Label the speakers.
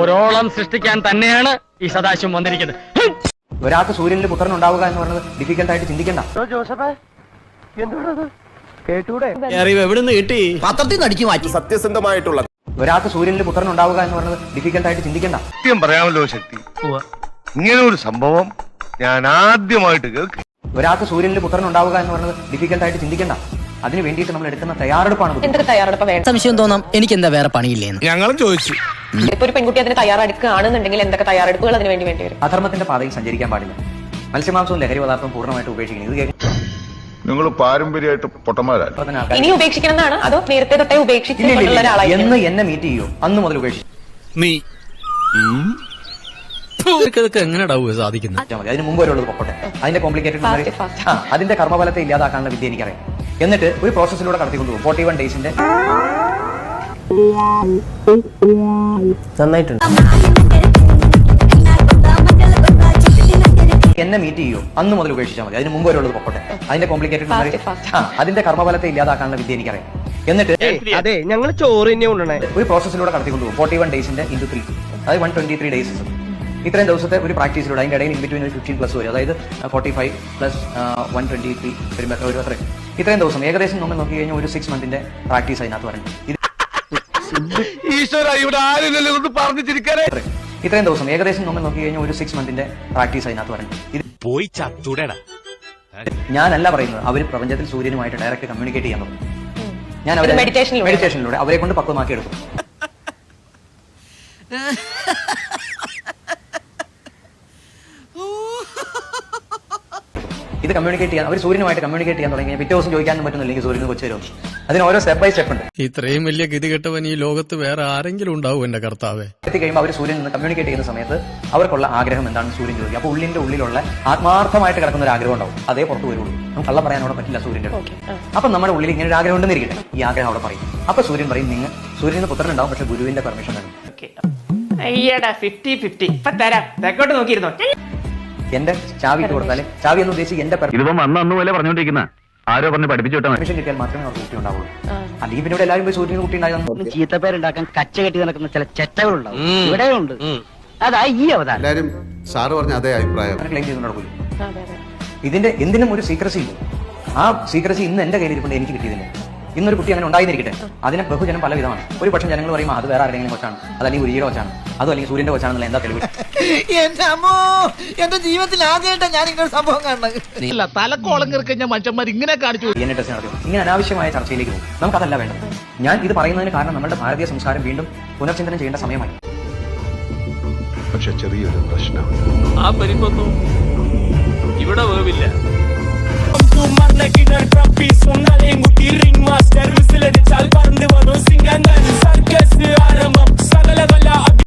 Speaker 1: ഒരോളം സൃഷ്ടിക്കാൻ തന്നെയാണ് ഈ സദാശിവം വന്നിരിക്കുന്നത്.
Speaker 2: ഒരാൾക്ക് സൂര്യനിൽ പുത്രൻ ഉണ്ടാവുക എന്ന് പറയുന്നത് ഡിഫിക്കൽട്ട് ആയിട്ട് ചിന്തിക്കണ്ട.
Speaker 3: എവിടുന്ന് കിട്ടി? പത്രത്തിൽ നിന്ന് അടിച്ചു മാറ്റി.
Speaker 4: സത്യസന്ധമായിട്ടുള്ള
Speaker 2: ഒരാൾക്ക് സൂര്യനിൽ പുത്രൻ ഉണ്ടാവുക എന്ന് പറയുന്നത് ഡിഫിക്കൽട്ട് ആയിട്ട് ചിന്തിക്കണ്ട.
Speaker 5: സത്യം പറയാമല്ലോ ശക്തി, ഇങ്ങനെ ഒരു സംഭവം ഞാൻ ആദ്യമായിട്ട് കേൾക്കും.
Speaker 2: ഒരാൾക്ക് സൂര്യനിൽ പുത്രൻ ഉണ്ടാവുക എന്ന് പറയുന്നത് ഡിഫിക്കൽട്ട് ആയിട്ട് ചിന്തിക്കണ്ട. അതിന് വേണ്ടിയിട്ട് നമ്മൾ എടുക്കുന്ന തയ്യാറെടുപ്പാണ്.
Speaker 6: എന്തൊക്കെ തയ്യാറെടുപ്പ് വേണം?
Speaker 3: സംശയം തോന്നാം എനിക്ക് എന്താ വേറെ പണിയില്ലേന്ന്.
Speaker 5: ഞങ്ങളും ചോദിച്ചു.
Speaker 6: ഇപ്പൊ ഒരു പെൺകുട്ടി അതിന് തയ്യാറെടുക്കുകയാണെന്നുണ്ടെങ്കിൽ എന്തൊക്കെ തയ്യാറെടുപ്പുകൾ അതിന് വേണ്ടി വരും?
Speaker 2: അധർമ്മത്തിന്റെ പാതയിൽ സഞ്ചരിക്കാൻ പാടില്ല. മത്സ്യമാംസവും ലഹരി പദാർത്ഥവും പൂർണ്ണമായിട്ട് ഉപേക്ഷിക്കണം. ഇത്
Speaker 4: നിങ്ങൾ പാരമ്പര്യമായിട്ട് പൊട്ടന്മാരല്ല.
Speaker 6: ഇനി ഉപേക്ഷിക്കണം എന്നാണ്, അതോ നേരത്തെ തൊട്ടേ ഉപേക്ഷിച്ചിട്ടുള്ള ഒരാളായി
Speaker 2: എന്ന് എന്നെ മീറ്റ് ചെയ്യൂ അന്ന് മുതൽ ഉപേക്ഷിച്ചു
Speaker 3: നീ എങ്ങനെയാ സാധിക്കുന്നത്?
Speaker 2: അതിന് മുമ്പ് വരുള്ളത് പൊക്കോട്ടെ. അതിന്റെ കോംപ്ലിക്കേറ്റഡ് അതിന്റെ കർമ്മഫലത്തെ ഇല്ലാതാക്കാനുള്ള വിദ്യ എനിക്കറിയാം. എന്നിട്ട് ഒരു പ്രോസസ്സിലൂടെ കടത്തിക്കൊണ്ടുപോകും. 41 ഡേയ്സിന്റെ
Speaker 3: നന്നായിട്ടുണ്ട്.
Speaker 2: എന്നെ മീറ്റ് ചെയ്യൂ അന്ന് മുതൽ ഉപേക്ഷിച്ചാൽ മതി. അതിന് മുമ്പ് വരുള്ളത് പൊക്കോട്ടെ. അതിന്റെ കോംപ്ലിക്കേറ്റഡ് അതിന്റെ കർമ്മഫലത്തെ ഇല്ലാതാക്കാനുള്ള വിദ്യ എനിക്കറിയാം. എന്നിട്ട്
Speaker 1: അതെ, ഞങ്ങൾ ചോറ് തന്നെ കൊണ്ടുവന്നേ.
Speaker 2: ഒരു പ്രോസസ്സിലൂടെ കടത്തിക്കൊണ്ടുപോകും. 41 ഡേയ്സിന്റെ into 3, അതായത് 123 ഡേയ്സ്. ഇത്രയും ദിവസത്തെ ഒരു പ്രാക്ടീസിലൂടെ അതിന്റെ ഇടയിൽ ഇൻ ബിറ്റ്വീൻ ഒരു 15+ വരും. അതായത് 45 + 123 വരുമ്പോൾ ഒരു അത്രയും ഇത്രയും ദിവസം ഏകദേശം നമ്മൾ നോക്കി കഴിഞ്ഞാൽ ഒരു 6 മന്തിന്റെ പ്രാക്ടീസ് അതിനകത്ത് വരണം. ഇത്രയും ദിവസം ഏകദേശം നമ്മൾ നോക്കി കഴിഞ്ഞാൽ ഒരു 6 മന്തിന്റെ പ്രാക്ടീസ് അതിനകത്ത് വരണം.
Speaker 7: പോയി ചത്തുടേടാ.
Speaker 2: ഞാനല്ല പറയുന്നത്, അവർ പ്രപഞ്ചത്തിൽ സൂര്യനുമായിട്ട് ഡയറക്റ്റ് കമ്മ്യൂണിക്കേറ്റ് ചെയ്യാൻ തുടങ്ങും. ഞാൻ അവരെ മെഡിറ്റേഷനിലൂടെ അവരെ കൊണ്ട് പക്വമാക്കി എടുക്കും. ഇത് കമ്മ്യൂണിക്കേറ്റ് ചെയ്യാൻ അവർ സൂര്യനുമായിട്ട് കമ്മ്യൂണിക്കേറ്റ് ചെയ്യാൻ തുടങ്ങി. പിറ്റേ ദിവസം ചോദിക്കാനും പറ്റുന്നില്ലെങ്കിൽ സൂര്യന് കൊച്ചു വരും. അതിന് ഓരോ സ്റ്റെപ്പ് ബൈ സ്റ്റെപ്പ് ഉണ്ട്.
Speaker 3: ഇത്രയും വലിയ ഗതികെട്ടവൻ ഈ ലോകത്ത് വേറെ ആരെങ്കിലും ഉണ്ടാവും എന്റെ കർത്താവേ.
Speaker 2: എത്തിക്കഴിയുമ്പോൾ അവർ സൂര്യൻ നിന്ന് കമ്മ്യൂണിക്കേറ്റ് ചെയ്യുന്ന സമയത്ത് അവർക്കുള്ള ആഗ്രഹം എന്താണെന്ന് സൂര്യൻ ചോദിക്കും. അപ്പോൾ ഉള്ളിലുള്ള ആത്മാർത്ഥമായിട്ട് കിടക്കുന്ന ഒരു ആഗ്രഹം ഉണ്ടാവും. അതേ പുറത്ത് വരുള്ളൂ. നമുക്ക് കള്ളം പറയാൻ അവിടെ പറ്റില്ല സൂര്യന്റെ. അപ്പൊ നമ്മുടെ ഉള്ളിൽ ഇങ്ങനെ ഒരു ആഗ്രഹം ഉണ്ടെന്നിരിക്കട്ടെ. ഈ ആഗ്രഹം അവിടെ പറയും. അപ്പൊ സൂര്യൻ പറയും, നിങ്ങൾ സൂര്യന് പുത്രൻ ഉണ്ടാവും, പക്ഷെ ഗുരുവിന്റെ പെർമിഷൻ വേണം.
Speaker 1: അയ്യടാ 50-50 ഇപ്പൊ തരാം. തെക്കോട്ട് നോക്കിയിരുന്നോ?
Speaker 2: എന്റെ ചാവി ഇട്ട് കൊടുത്താൽ ചാവി എന്ന് ഉദ്ദേശിച്ച് എന്റെ
Speaker 5: ഇതിപ്പം അന്ന് പോലെ പറഞ്ഞോണ്ടിരിക്കുന്ന ആരോ പറഞ്ഞ് പഠിപ്പിച്ചു വിട്ടാൽ
Speaker 2: പെർമിഷൻ കിട്ടിയാൽ മാത്രമേ അവർക്ക് കുട്ടി ഉണ്ടാവുള്ളൂ. അല്ലെങ്കിൽ പിന്നെ ഇവിടെ എല്ലാവരും പോയി സൂര്യന് കുട്ടി ഉണ്ടാകുന്നു.
Speaker 3: ചീത്തപ്പേരുണ്ടാക്കാൻ കച്ച കെട്ടി നടക്കുന്ന ചില ചെറ്റകളുണ്ടാവും. ഇവിടെയുണ്ട്. അതാ ഈ അവതാരം.
Speaker 4: എല്ലാരും സാറ് പറഞ്ഞ അതേ അഭിപ്രായം
Speaker 2: ക്ലെയിം ചെയ്ത് നടക്കില്ല. ഇതിന്റെ എന്തിനും ഒരു സീക്രസി ഇല്ല. ആ സീക്രസി ഇന്ന് എന്റെ കയ്യിലിരിപ്പുണ്ട്, എനിക്ക് കിട്ടിയതില്ല. ഇന്നൊരു കുട്ടി അങ്ങനെ ഉണ്ടായിരിക്കട്ടെ. അതിനെ ബഹുജനം പല വിധമാണ്. ഒരു പക്ഷേ ജനങ്ങൾ പറയും അത് വേറെ ആരുടെയെങ്കിലും കൊച്ചാണ്, അതല്ലെങ്കിൽ ഉരിയുടെ കൊച്ചാണ്, അതും അല്ലെങ്കിൽ സൂര്യന്റെ കൊച്ചാണെന്നുള്ള എന്താ തെളിവ്?
Speaker 3: എന്റെ ജീവിതത്തിൽ ആദ്യമായിട്ടാണ് ഞാൻ ഇങ്ങനെ സംഭവം കാണുന്നത്. തലക്കോളം കിറക്കഞ്ഞ മനുഷ്യന്മാർ ഇങ്ങനെ കാണിച്ചു.
Speaker 2: DNA ടെസ്റ്റ് നടത്തും. ഇങ്ങനെ അനാവശ്യമായ ചർച്ചയിലേക്ക് പോകും. നമുക്കതല്ല വേണ്ടത്. ഞാൻ ഇത് പറയുന്നതിന് കാരണം നമ്മുടെ ഭാരതീയ സംസ്കാരം വീണ്ടും പുനർചിന്തനം ചെയ്യേണ്ട സമയമായി.
Speaker 4: പക്ഷെ ചെറിയൊരു പ്രശ്നം,
Speaker 7: ആ പരിപ്പൊന്നും ഇവിടെ വേവില്ല.